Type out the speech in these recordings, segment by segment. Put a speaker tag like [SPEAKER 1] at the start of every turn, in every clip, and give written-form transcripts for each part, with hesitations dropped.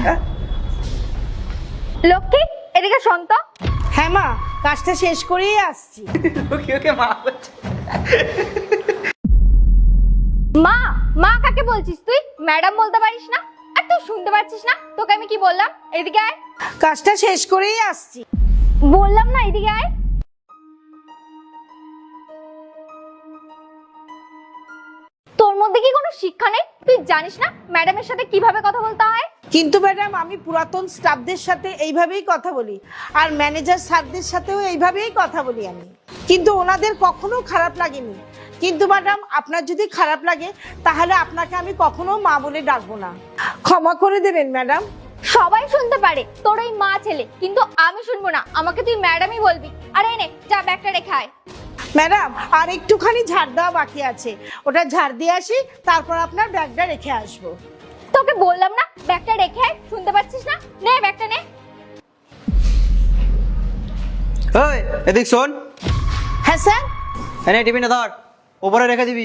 [SPEAKER 1] লক্ষ্মী, এদিকে শোন তো।
[SPEAKER 2] হ্যাঁ মা, কাজটা শেষ করেই আসছি।
[SPEAKER 3] ওকে মা বলছে।
[SPEAKER 1] মা, মা কাকে বলছিস তুই? ম্যাডাম বলতে পারিস না? আর তুই শুনতে পাচ্ছিস না তোকে আমি কি বললাম? এদিকে আয়।
[SPEAKER 2] কাজটা শেষ করেই আসছি।
[SPEAKER 1] বললাম না এদিকে আয়। তোর মধ্যে কি কোনো শিক্ষা নেই? তুই জানিস না ম্যাডামের সাথে কিভাবে কথা বলতে হয়?
[SPEAKER 2] কিন্তু ম্যাডাম, আমি পুরাতন স্টাফদের সাথে এইভাবেই কথা বলি, আর ম্যানেজার স্যারদের সাথেও এইভাবেই কথা বলি আমি, কিন্তু ওনাদের কখনো খারাপ লাগেনি। কিন্তু ম্যাডাম, আপনার যদি খারাপ লাগে তাহলে আপনাকে আমি কখনো মা বলে ডাকবো না, ক্ষমা করে দেবেন ম্যাডাম।
[SPEAKER 1] সবাই শুনতে পারে তোর ওই মা ছেলে, কিন্তু আমি শুনবো না। আমাকে তুই ম্যাডামই বলবি। আর এই নে, যা ব্যাগটা রেখে আয়।
[SPEAKER 2] ম্যাডাম, আর একটুখানি ঝাড় দেওয়া বাকি আছে, ওটা ঝাড় দিয়ে আসি, তারপর আপনার ব্যাগটা রেখে আসবো।
[SPEAKER 1] তোকে বললাম না ব্যাগটা রেখে আয়, শুনতে পাচ্ছিস না? নে ব্যাগটা নে।
[SPEAKER 3] ওই এদিক শোন।
[SPEAKER 2] হ্যাঁ স্যার।
[SPEAKER 3] এনে টিফিনটা ধর, উপরে রেখে দিবি।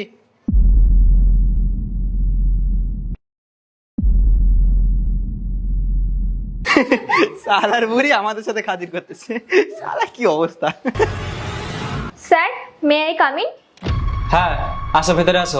[SPEAKER 3] সালার বুড়ি আমাদের সাথে খাতির করতেছে। সালা কি অবস্থা।
[SPEAKER 1] Sir, may I come in?
[SPEAKER 4] হ্যাঁ, আসো ভেতরে আসো।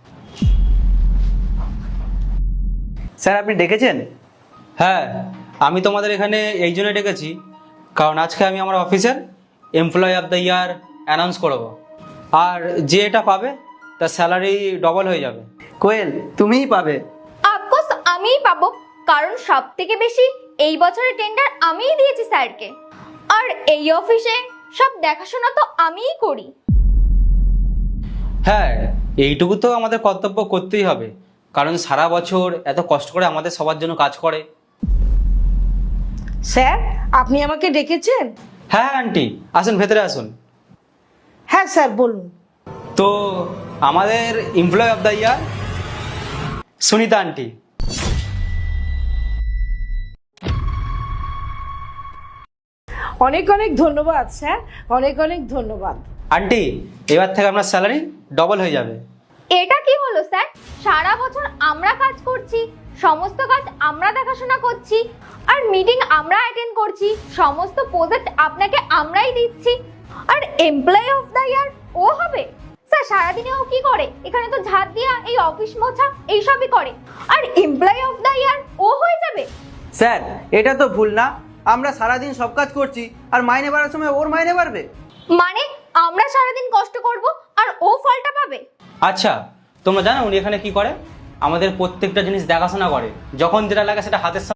[SPEAKER 3] স্যার আপনি ডেকেছেন?
[SPEAKER 4] হ্যাঁ, আমি তোমাদের এখানে এই জন্য ডেকেছি, কারণ আজকে আমি আমার অফিসের employee of the year announce করব। আর যে এটা পাবে তার স্যালারি ডবল হয়ে যাবে।
[SPEAKER 3] কোয়েল, তুমিই পাবে।
[SPEAKER 1] অফকোর্স আমিই পাবো, কারণ সব থেকে বেশি এই বছরের টেন্ডার আমিই দিয়েছি স্যারকে। আর এই অফিসে সব দেখাশোনা তো আমিই করি।
[SPEAKER 4] হ্যাঁ, এইটুকু তো আমাদের কর্তব্য করতেই হবে, কারণ সারা বছর এত কষ্ট করে আমাদের সবার জন্য কাজ করে।
[SPEAKER 2] স্যার, আপনি আমাকে ডেকেছেন?
[SPEAKER 4] হ্যাঁ আন্টি, আসুন ভেতরে আসুন।
[SPEAKER 2] হ্যাঁ স্যার, বলুন।
[SPEAKER 4] তো আমাদের employee of the year Sunita aunty.
[SPEAKER 2] অনেক অনেক ধন্যবাদ স্যার, অনেক অনেক ধন্যবাদ।
[SPEAKER 4] আন্টি, এবার থেকে আপনার স্যালারি ডবল হয়ে যাবে।
[SPEAKER 1] এটা কি হলো স্যার? সারা বছর আমরা কাজ করছি, সমস্ত কাজ আমরা দেখাশোনা করছি, আর মিটিং আমরা অ্যাটেন্ড করছি, সমস্ত প্রজেক্ট আপনাকে আমরাই দিচ্ছি, আর এমপ্লয়ি অফ দ্য ইয়ার ও হবে? স্যার সারাদিনে ও কি করে? এখানে তো ঝাড় দেওয়া, এই অফিস মোছা এইসবই করে, আর এমপ্লয়ি অফ দ্য ইয়ার ও হয়ে যাবে?
[SPEAKER 3] স্যার এটা তো ভুল না, আমরা সারাদিন সব কাজ করছি আর মাইনে বাড়ার সময় ওর মাইনে বাড়বে?
[SPEAKER 1] মানে আমরা সারাদিন কষ্ট করব আর ও ফলটা পাবে?
[SPEAKER 4] আচ্ছা, তোমরা জানো উনি এখানে কি করে? আমাদের প্রত্যেকটা জিনিস দেখাশোনা করে, যখন যেটা লাগে সেটা হাতের